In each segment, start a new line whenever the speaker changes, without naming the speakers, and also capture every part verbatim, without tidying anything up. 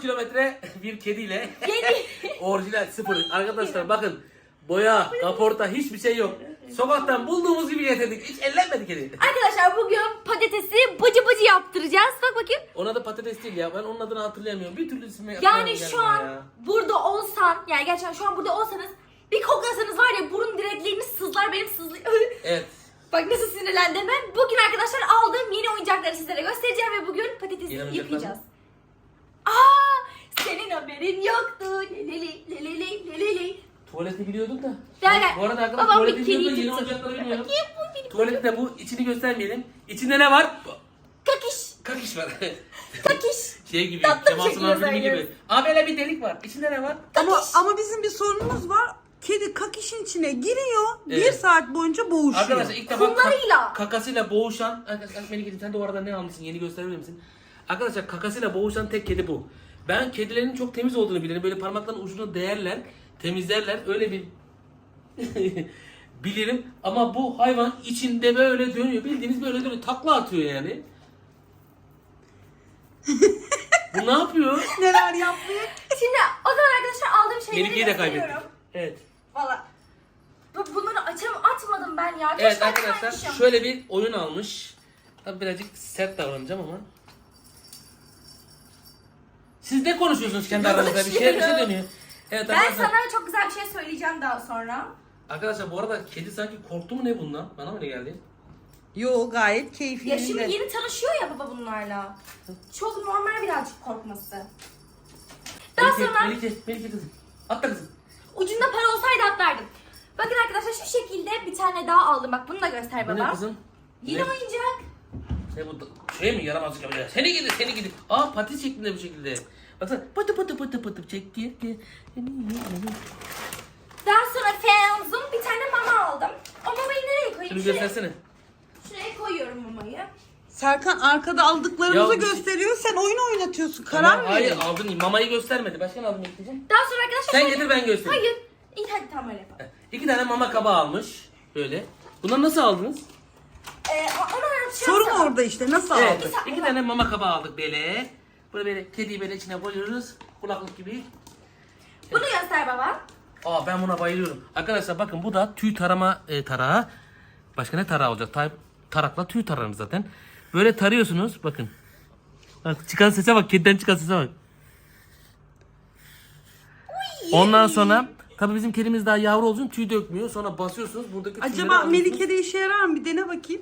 kilometre bir kediyle
Yeni.
orijinal sıfır. Arkadaşlar bakın boya, kaporta hiçbir şey yok. Sokaktan bulduğumuz gibi getirdik. Hiç ellenmedi kedi.
Arkadaşlar bugün patatesi bıcı bıcı yaptıracağız. Bak bakayım.
Ona da patates değil ya. Ben onun adını hatırlayamıyorum. Bir türlü ismi
Yani
hatırlayamıyorum
şu an
ya.
burada olsan, yani gerçekten şu an burada olsanız bir koklasanız var ya burun direkleriniz sızlar benim sızlı.
Evet.
Bak nasıl sinirlendim ben. Bugün arkadaşlar aldığım yeni oyuncakları sizlere göstereceğim ve bugün patatesi
Yeni oyuncaklar
yıkayacağız. Aa, senin haberin yoktu. Leleli leleli leleli.
Tuvaleti biliyordum da.
Gel, gel.
Bu arada arkadaşlar
Babam
tuvaleti
bir
biliyordum da
kedi
yeni
tutsun.
oyuncakları bilmiyorum.
Bakayım bu benim.
Tuvalette bu içini göstermeyelim. İçinde ne var?
Kakiş.
Kakiş var.
Kakiş.
Şey gibi,
Tatlı bir
Kemal
şekilde
Sunal filmi
söylüyoruz.
gibi. Aa böyle bir delik var. İçinde ne var?
Ama,
Kakiş.
ama bizim bir sorunumuz var. Kedi kakişin içine giriyor. Bir
Evet.
saat boyunca boğuşuyor.
Arkadaşlar ilk defa
Kumlarıyla.
ka- kakasıyla boğuşan... Arkadaşlar Melike'cim sen de o arada ne almışsın? Yeni gösterebilir misin? Arkadaşlar kakasıyla boğuşan tek kedi bu. Ben kedilerin çok temiz olduğunu bilirim. Böyle parmaklarının ucunu değerler, temizlerler. Öyle bir bilirim. Ama bu hayvan içinde böyle dönüyor. Bildiğiniz böyle dönüyor. Takla atıyor yani. Bu ne yapıyor?
Neler yapıyor?
Şimdi o zaman arkadaşlar aldığım şeyleri
Melike'yi de
gösteriyorum.
kaybettik. Evet.
Valla. Bu, bunları açam atmadım ben ya.
Evet
Keşke
arkadaşlar
açmaymışım.
şöyle bir oyun almış. Tabii birazcık sert davranacağım ama. Siz ne konuşuyorsunuz kendi aranızda? Bir şey bir şey dönüyor. Evet
Ben
arkadaşlar.
sana çok güzel bir şey söyleyeceğim daha sonra.
Arkadaşlar bu arada kedi sanki korktu mu ne bundan? Bana mı ne geldi?
Yo gayet keyifli.
Ya şimdi yeni tanışıyor ya baba bunlarla. Çok normal birazcık korkması. Daha
Melike,
sonra
Melike, Melike kızım. Atla kızım.
ucunda para olsaydı atlardım. Bakın arkadaşlar şu şekilde bir tane daha aldım. Bak bunu da göster
Bu ne
baba.
kızım?
Yeni
Ne?
oyuncak.
Ne bu? Şey mi yaramazlık yapıyor? Seni gidi, seni gidi. Aa pati şeklinde bir şekilde. Baksana pıtı pıtı pıtı pıtı çekti.
Daha sonra Fenzum bir tane mama aldım. O mamayı nereye koyayım?
Şunu
Şuraya,
göstersene.
şuraya koyuyorum mamayı.
Serkan arkada aldıklarımızı
Ya bir şey-
gösteriyor. Sen oyun oynatıyorsun. Karar
Tamam,
ver.
hayır aldın. Mamayı göstermedi. Başka ne aldın Melike'ciğim?
Daha sonra arkadaşlar
Sen
şöyle-
getir ben göstereyim.
Hayır. İyi hadi tamam öyle yapalım.
İki tane mama kabağı almış. Böyle. Bunları nasıl aldınız?
Ee, onu anlatacağım
Sorun
sana.
orada işte. Nasıl
Evet.
aldın?
saniye.
İki tane mama kabağı aldık böyle. Böyle böyle kediyi böyle içine koyuyoruz. Kulaklık gibi.
Bunu göster baba.
Aa ben buna bayılıyorum. Arkadaşlar bakın bu da tüy tarama e, tarağı. Başka ne tarağı olacak? Tay- tarakla tüy tararım zaten. Böyle tarıyorsunuz bakın. Bak çıkan sese bak. Kediden çıkan sese bak. Ondan sonra tabii bizim kedimiz daha yavru olduğu için tüy dökmüyor. Sonra basıyorsunuz buradaki tüyleri
Acaba
alıyorsunuz.
Melike'de işe yarar mı? Bir dene bakayım.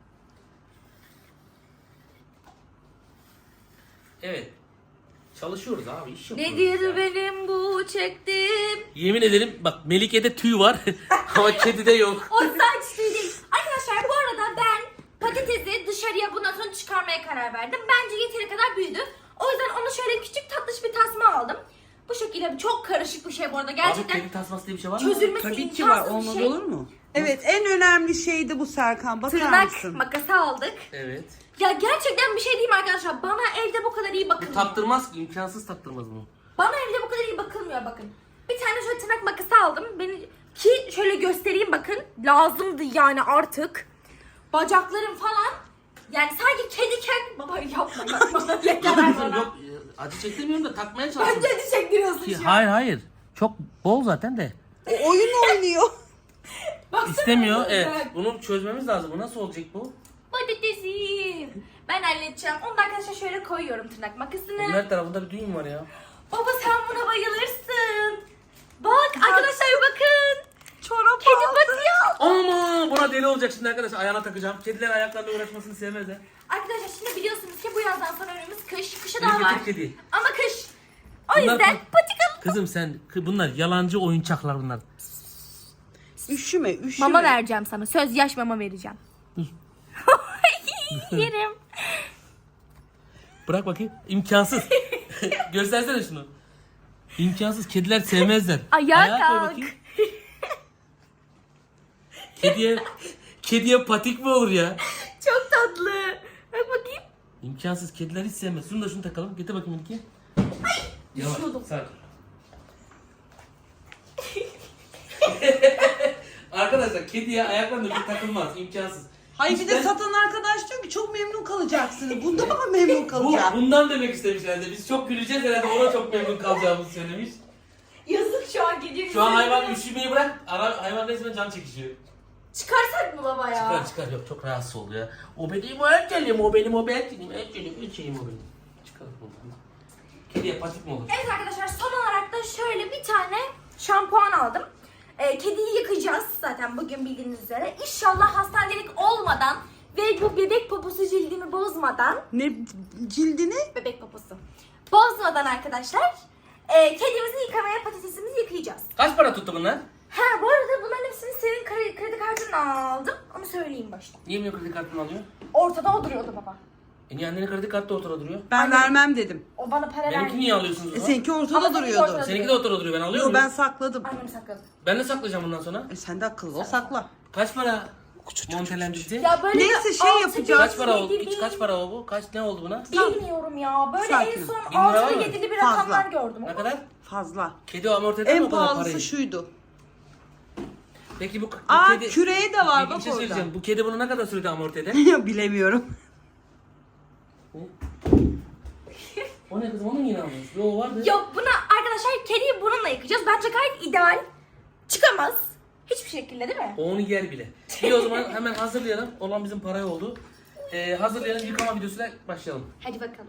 Evet. Çalışıyoruz abi. iş yapıyoruz
Nedir
ya.
benim bu çektiğim?
Yemin ederim bak Melike'de tüy var ama kedide yok.
O saç tüy değil. Arkadaşlar bu arada ben patatesi dışarıya bundan sonra çıkarmaya karar verdim. Bence yeteri kadar büyüdü. O yüzden ona şöyle küçük tatlış bir tasma aldım. Bu şekilde çok karışık bir şey bu arada.
Abi
Gerçekten
kedi tasması diye bir şey var mı?
çözülmesi
Tabii ki var.
imkansız bir
Olmaz
şey.
olur mu? Evet en önemli şey de bu Serkan. Bakar
Tırnak
mısın?
makası aldık.
Evet.
Ya gerçekten bir şey diyeyim arkadaşlar. Bana evde bu kadar iyi
Bu
bakılmıyor.
taktırmaz ki. imkansız taktırmaz bunu.
Bana evde bu kadar iyi bakılmıyor bakın. Bir tane şöyle tırnak makası aldım. Beni ki şöyle göstereyim bakın. Lazımdı yani artık. Bacaklarım falan. Yani sanki kediken baba yapma yapma. Yeter bana.
Yok e, acı çektirmiyorum da takmaya çalışıyorum.
Bence acı çektiriyorsun
Ki-
şu an.
Hayır hayır. Çok bol zaten de.
O oyun oynuyor.
Baksana
İstemiyor.
bana.
Evet. Bunu çözmemiz lazım. Bu nasıl olacak bu?
Patatesim. Ben halledeceğim. Onu da arkadaşlar şöyle koyuyorum tırnak makasını.
Bunun her tarafında bir düğüm var ya.
Baba sen buna bayılırsın. Bak arkadaşlar bir bakın.
Çorap
Kedi
aldı.
patiği aldım.
Ama buna deli olacak şimdi arkadaşlar. Ayağına takacağım. Kediler ayaklarla uğraşmasını sevmezler.
Arkadaşlar şimdi biliyorsunuz ki bu yazdan sonra önümüz kış. Kışı
Melike
daha var.
Türk kedi.
Ama kış. O
Bunlar-
yüzden patik alıp
Kızım sen kı- bunlar yalancı oyuncaklar bunlar.
Üşüme üşüme.
mama vereceğim sana. Söz yaş mama vereceğim. Yerim.
Bırak bakayım. İmkansız. Göstersene şunu. İmkansız. Kediler sevmezler.
Ayağa
koy
kalk.
bakayım. Kediye kediye patik mi olur ya?
Çok tatlı. Bak bakayım.
İmkansız. Kediler hiç sevmez. Şunu da şunu takalım. Getir bakayım iki. Yavaş.
düşüyordum.
Sakin. Arkadaşlar kediye ayaklarına bir takılmaz. İmkansız.
Hayır bir de
İşte-
satan arkadaş diyor ki çok memnun kalacaksınız. Bunda mı memnun
Bu,
kalacak?
bundan demek istemiş herhalde. Biz çok güleceğiz herhalde, ona çok memnun kalacağımızı söylemiş.
Yazık şu an geliyor.
Şu an hayvan üşümeyi bırak, ara, hayvan resmen can çekişiyor.
Çıkarsak mı baba ya?
Çıkar çıkar, yok çok rahatsız oldu ya. O benim o erkeğim, o benim o erkeğim, erkeğim, erkeğim o benim. Çıkar buradan. Kediye patik mi olur?
Evet arkadaşlar, son olarak da şöyle bir tane şampuan aldım. Ee, kediyi yıkayacağız zaten bugün bildiğiniz üzere. İnşallah hastanelik olmadan ve bu bebek poposu cildimi bozmadan,
Ne cildini?
bebek poposu bozmadan arkadaşlar e, kedimizi yıkamaya, patatesimizi yıkayacağız.
Kaç para tuttu bunlar?
Ha bu arada bunların hepsini senin kredi, kredi kartından aldım. Onu söyleyeyim başta.
Niye benim kredi kartımı alıyor?
Ortada o duruyordu baba.
E niye annenin kredi kartı da ortada duruyor?
Ben
Anne-
vermem dedim.
O bana para
Benimki
verdi.
niye alıyorsunuz o
E,
zaman?
seninki ortada
Ama seninki
duruyordu.
ortada.
Seninki de ortada duruyor, ben alıyor
Yo
muyum?
ben sakladım.
Annem sakladı.
Ben de saklayacağım bundan sonra.
E, sen de akıllı ol sakla.
Kaç para montelendirici?
Ya böyle
Neyse,
bir
şey
altı
yapacağız.
Kaç para oldu?
yedi
Hiç kaç para o bu? Kaç ne oldu buna?
Bilmiyorum ya. Böyle
Sakin
en
ol.
son
Bin lira var
altılı
mı?
yedili bir
Fazla.
rakamlar gördüm.
Ne kadar?
Fazla.
Kedi amorti eder mi
En
o kadar
pahalısı
parayı?
şuydu.
Peki bu, bu
Aa
kedi...
küreği de var
Bir
bak
şey
orada.
söyleyeceğim. Bu kedi bunu ne kadar sürede amorti eder?
Bilemiyorum.
O ne kızım, onu mu yine almış? Yo vardı.
Yok, buna arkadaşlar kediyi bununla yıkayacağız. Bence gayet ideal. Çıkamaz. Hiçbir şekilde değil mi?
O onu yer bile. İyi o zaman hemen hazırlayalım. Olan bizim paraya oldu. Ee, hazırlayalım, yıkama videosuyla başlayalım.
Hadi bakalım.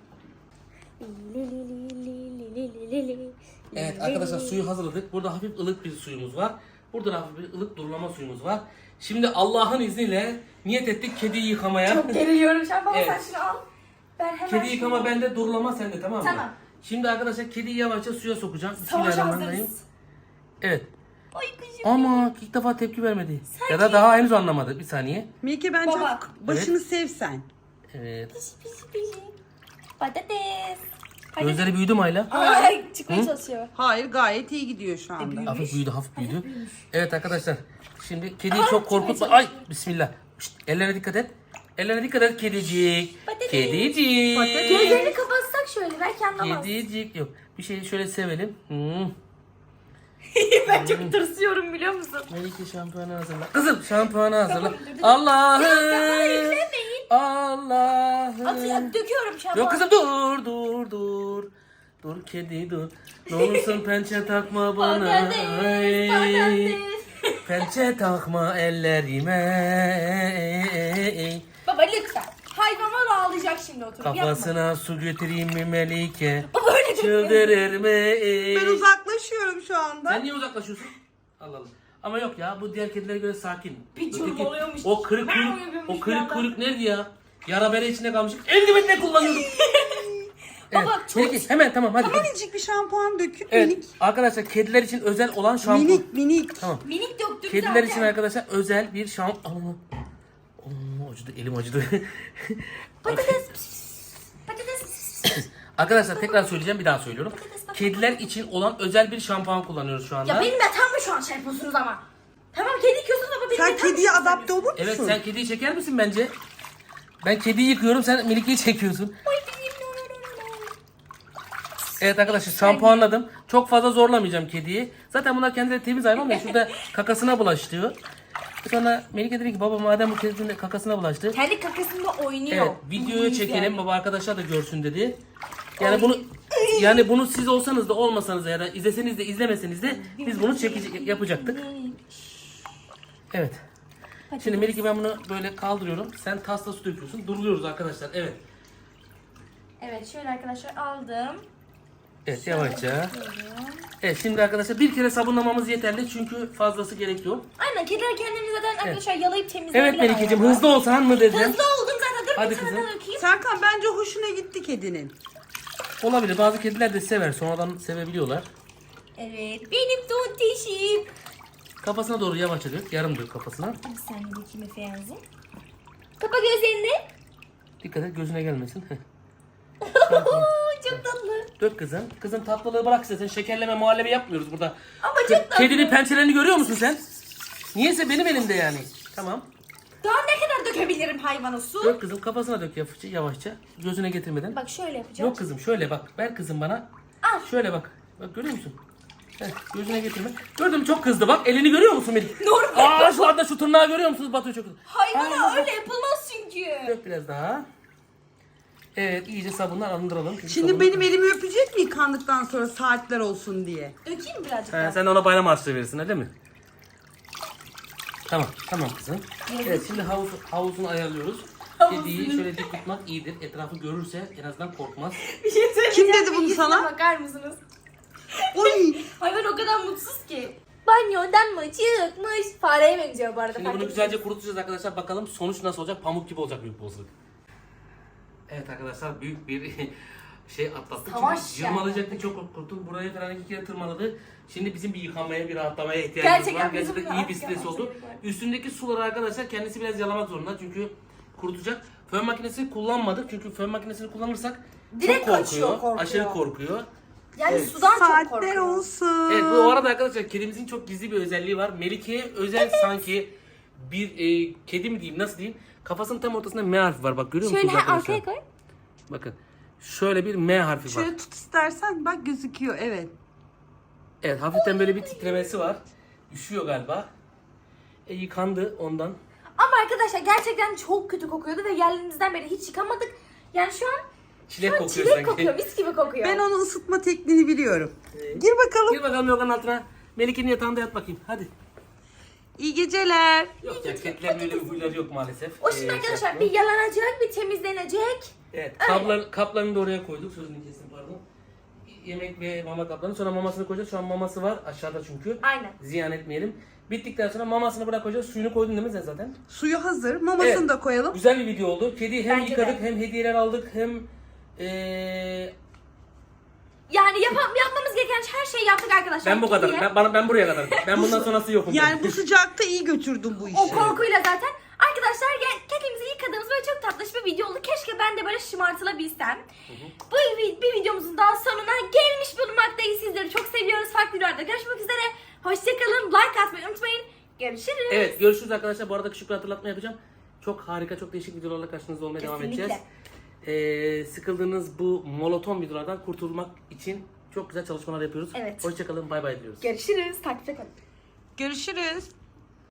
Evet arkadaşlar, suyu hazırladık. Burada hafif ılık bir suyumuz var. Burada da hafif bir ılık durulama suyumuz var. Şimdi Allah'ın izniyle niyet ettik kediyi yıkamaya.
Çok geriliyorum şu an. Baba
Evet.
sen şunu al. Ben hemen
Kedi
şunu-
yıkama bende, durulama sende, tamam mı?
Tamam.
Şimdi arkadaşlar kediyi yavaşça suya sokacağım.
Savaşa
Bismillahirrahmanirrahim.
hazırız.
Evet.
Ay kızım.
Ama ilk defa tepki vermedi. Ya da daha henüz anlamadı. Bir saniye.
Melike bence
Baba.
başını sevsen.
Evet.
Pisi pisi pisi. Patates. Patates.
Gözleri büyüdü mü Ayla?
Ay çıkmaya çalışıyor.
Hayır gayet iyi gidiyor şu anda.
Hafif büyüdü, hafif büyüdü. Evet arkadaşlar. Şimdi kediyi çok korkutma. Ay bismillah. Şşt, ellerine dikkat et. Ellerine dikkat et kedicik.
Patates.
Kedicik.
Patates.
Gözlerini kapatsak şöyle belki anlamaz.
Kedicik. Yok. Bir şey şöyle sevelim. Hmm.
Ben çok tırsıyorum biliyor musun?
Melike şampuanı hazırla. Kızım şampuanı hazırla.
Tamam, dur, dur.
Allah'ım.
Ya sen bana yüklemeyin.
Allah'ım.
Atıyor, döküyorum şampuan.
Yok kızım dur dur dur. Dur kedi dur. Ne olursun pençe takma bana.
Patates,
Ay.
patates.
Pençe takma ellerime.
Baba lütfen. Hayvanlar ağlayacak şimdi oturup yapma.
Kafasına su götüreyim mi Melike?
Baba öyle dökme.
Çıldırır mı?
Ben uzaklaşıyorum şu anda.
Sen niye uzaklaşıyorsun? Allah Allah. Ama yok ya, bu diğer kedilere göre sakin.
Bir
Öteki-
çırpalıyormuş.
O kırık
Ben
kuyruk,
uyuyormuş
o
bir
kırık
anda.
kuyruk nerede ya? Yara bere içinde kalmış. Eldiven ne kullanıyordum?
Baba, çok-
Melike, hemen tamam hadi. hadi.
Minicik bir şampuan dökün
Evet
minik.
arkadaşlar, kediler için özel olan şampuan.
Minik minik.
Tamam.
Minik döktük
Kediler
zaten.
için arkadaşlar özel bir şampuan. Oo, acıdı, elim acıdı.
Patates. Patates.
Arkadaşlar tekrar söyleyeceğim, bir daha söylüyorum. Kediler için olan özel bir şampuan kullanıyoruz şu anda.
Ya benim yatağımda şu an şey yapıyorsunuz ama. Tamam kedi yıkıyorsunuz ama benim
Sen
yatağımda
kediye
şey
adapte olur musun?
Evet, sen kediyi çeker misin bence? Ben kediyi yıkıyorum, sen Melike'yi çekiyorsun. Evet arkadaşlar, şampuanladım. Çok fazla zorlamayacağım kediyi. Zaten bunlar kendileri temiz hayvan ya, şurada kakasına bulaştı. Sonra Melike dedi ki baba madem bu kedinin de kakasına bulaştı.
Kendi kakasında oynuyor.
Evet, videoya
Uyuz
çekelim
yani.
baba, arkadaşlar da görsün dedi. Yani bunu yani bunu siz olsanız da olmasanız da ya da izleseniz de izlemeseniz de biz bunu çekecek yapacaktık. Evet. Şimdi Melike, ben bunu böyle kaldırıyorum. Sen tasla su döküyorsun. Duruyoruz arkadaşlar. Evet.
Evet şöyle arkadaşlar aldım.
Evet yavaşça. Evet şimdi arkadaşlar bir kere sabunlamamız yeterli çünkü fazlası gerek yok.
Aynen kediler kendilerini zaten arkadaşlar yalayıp temizleyebilir.
Evet Melike'cim,
hayvanlar.
hızlı olsan mı dedim.
Hızlı oldum zaten. Dur
Hadi
bir tane
kızım.
daha dökeyim.
Serkan bence hoşuna gitti kedinin.
Olabilir, bazı kediler de sever, sonradan sevebiliyorlar.
Evet benim tontişim.
Kafasına doğru yavaşça dök, yarım dök kafasına.
Hadi sen de dökeyim Efe'yanızı. Kapa gözlerini.
Dikkat et gözüne gelmesin. Heh.
Çok tatlı.
Dök kızım. Kızım tatlılığı bırak istersen, şekerleme muhallebi yapmıyoruz burada.
Ama çok tatlı.
Kedinin pençelerini görüyor musun sen? Niyeyse benim elimde yani. Tamam.
Daha ne kadar dökebilirim hayvana su?
Dök kızım, kafasına dök yavaşça, yavaşça. Gözüne getirmeden.
Bak şöyle yapacağım.
Yok kızım, şöyle bak. Ver kızım bana.
Al.
Şöyle bak. Bak görüyor musun? Heh, gözüne getirme. Gördün mü çok kızdı bak. Elini görüyor musun Melih?
Normal.
Aa şu anda şu tırnağı görüyor musunuz? Batu çok kızdı.
Hayvana öyle yapılmaz çünkü.
Dök biraz daha. Evet iyice sabunla arındıralım. Çünkü
Şimdi
sabun-
benim elimi öpecek mi yıkandıktan sonra saatler olsun diye?
Dökeyim mi birazcık
He,
daha?
sen de ona bayram harçlığı verirsin öyle mi? Tamam tamam kızım. Evet şimdi havuz, havuzunu ayarlıyoruz. Kediyi şöyle dik tutmak iyidir. Etrafı görürse en azından korkmaz.
Bir şey söyleyeceğim.
Kim dedi bunu
Bilgisine
sana?
Bakar mısınız?
Oy!
Hayvan o kadar mutsuz ki. Banyodan mı çıkmış? Fareye benziyor bu arada.
Şimdi
fark
bunu
ettiniz
güzelce
mi?
kurutacağız arkadaşlar. Bakalım sonuç nasıl olacak? Pamuk gibi olacak büyük bir olasılık. Evet arkadaşlar büyük bir şey atlattık.
Savaş
Çünkü
yani.
yırmalayacaktı çok korktum. Buraya falan iki kere tırmaladı. Şimdi bizim bir yıkanmaya, bir rahatlamaya ihtiyacımız
Gerçekten
var.
bizim
Gerçekten iyi bir
rahat
stres
yapmamız
oldu.
gerekiyor.
Üstündeki suları arkadaşlar kendisi biraz yalamak zorunda. Çünkü kurutacak. Fön makinesi kullanmadık. Çünkü fön makinesini kullanırsak
Direkt
çok
kaçıyor,
korkuyor.
korkuyor.
Aşırı korkuyor.
Yani
Evet.
sudan çok
Saatler
korkuyor.
olsun.
Evet bu arada arkadaşlar kedimizin çok gizli bir özelliği var. Melike'ye özel sanki bir e, kedi mi diyeyim nasıl diyeyim? Kafasının tam ortasında M harfi var bak görüyor
Şöyle
musunuz
ha,
arkadaşlar?
arkaya koy.
Bakın şöyle bir M harfi var.
Şöyle tut istersen bak gözüküyor evet.
Evet hafiften böyle bir titremesi var. Üşüyor galiba. E, yıkandı ondan.
Ama arkadaşlar gerçekten çok kötü kokuyordu ve geldiğimizden beri hiç yıkamadık. Yani şu an,
Çilek
şu an
kokuyor
çilek
sanki.
kokuyor, mis gibi kokuyor.
Ben onu ısıtma tekniğini biliyorum.
Evet.
Gir bakalım.
Gir bakalım yorganın altına. Melike'nin yatağında yat bakayım hadi.
İyi geceler.
Yok ya kedilerin öyle bir huyları yok maalesef.
O şimdi
Ee,
arkadaşlar
şey
bir yalanacak, bir temizlenecek.
Evet,
Öyle.
kaplar, kaplarını da oraya koyduk. Sözünü kestim pardon. Yemek ve mama kaplarını. Sonra mamasını koyacağız. Şu an maması var aşağıda çünkü.
Aynen.
Ziyan etmeyelim. Bittikten sonra mamasını bırakacağız. Suyunu koydun değil mi sen zaten?
Suyu hazır. Mamasını
Evet.
da koyalım.
Güzel bir video oldu. Kediyi hem
Bence
yıkadık
de.
hem hediyeler aldık hem ee,
Yani yap yapmamız gereken her şeyi yaptık arkadaşlar.
ben bu kadar.
Kediye.
Ben, bana, ben buraya kadar. Ben bundan sonrası yokum.
Yani bu sıcakta iyi götürdüm bu işi.
O korkuyla zaten. Arkadaşlar gel- kedimizi yıkadığımız böyle çok tatlış bir video oldu. Keşke ben de böyle şımartılabilsem. Bu bir, bir videomuzun daha sonuna gelmiş bulunmaktayız. Sizleri çok seviyoruz. Farklı videolarda görüşmek üzere. Hoşçakalın. Like atmayı unutmayın. Görüşürüz.
Evet görüşürüz arkadaşlar. Bu arada küçük bir hatırlatma yapacağım. Çok harika, çok değişik videolarla karşınızda olmaya devam
Kesinlikle.
edeceğiz. Ee, sıkıldığınız bu monoton videolardan kurtulmak için çok güzel çalışmalar yapıyoruz.
Evet.
Hoşçakalın, bay bay diyoruz.
Görüşürüz. Takipte kalın.
Görüşürüz.